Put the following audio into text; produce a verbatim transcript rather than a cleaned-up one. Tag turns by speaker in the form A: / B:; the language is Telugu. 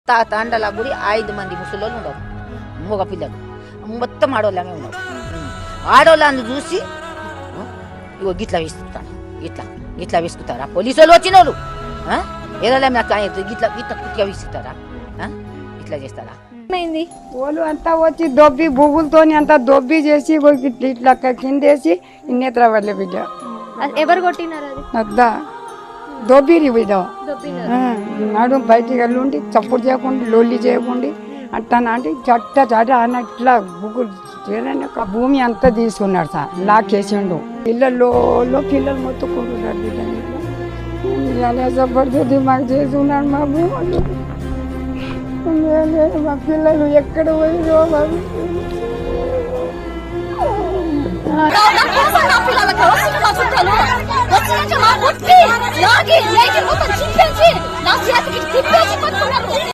A: తాండల గుడి ఐదు మంది ముసలోళ్ళు ఉండరు, మగ పిల్లలు మొత్తం ఆడవాళ్ళమే ఉన్నారు. ఆడవాళ్ళని చూసి ఇగో గిట్లా వేసుకుంటాను, ఇట్లా ఇట్లా వేసుకుంటారా పోలీసు వాళ్ళు వచ్చిన వాళ్ళు ఏదైనా నాకు ఇట్లా ఇట్లా కుట్టిగా వేసుకుంటారా, ఇట్లా చేస్తారా?
B: వాళ్ళు అంతా వచ్చి దొబ్బి బువ్వులతోని అంతా దొబ్బి చేసి ఇట్లా కిందేసి ఇన్నేత్ర వాళ్ళ బిడ్డ
C: ఎవరు కొట్టినారు?
B: అద్దా దొబ్బిరి బిడ్డ నాడు బయటికి వెళ్ళి ఉండి చప్పుడు చేయకుండా లొల్లి చేయకుండా అట్టా అంటే చట్ట చట్ట అన్న ఇట్లా బుగ్గులు ఒక భూమి అంతా తీసుకున్నాడు సార్, లాక్కేసిండు. పిల్లల్లో పిల్లలు మొత్తుకుంటున్నారు బిడ్డ ఇట్లా జబర్దస్త్ మాకు చేసి ఉన్నాడు మా భూములు. మా పిల్లలు ఎక్కడ పోయిరో
D: బాబు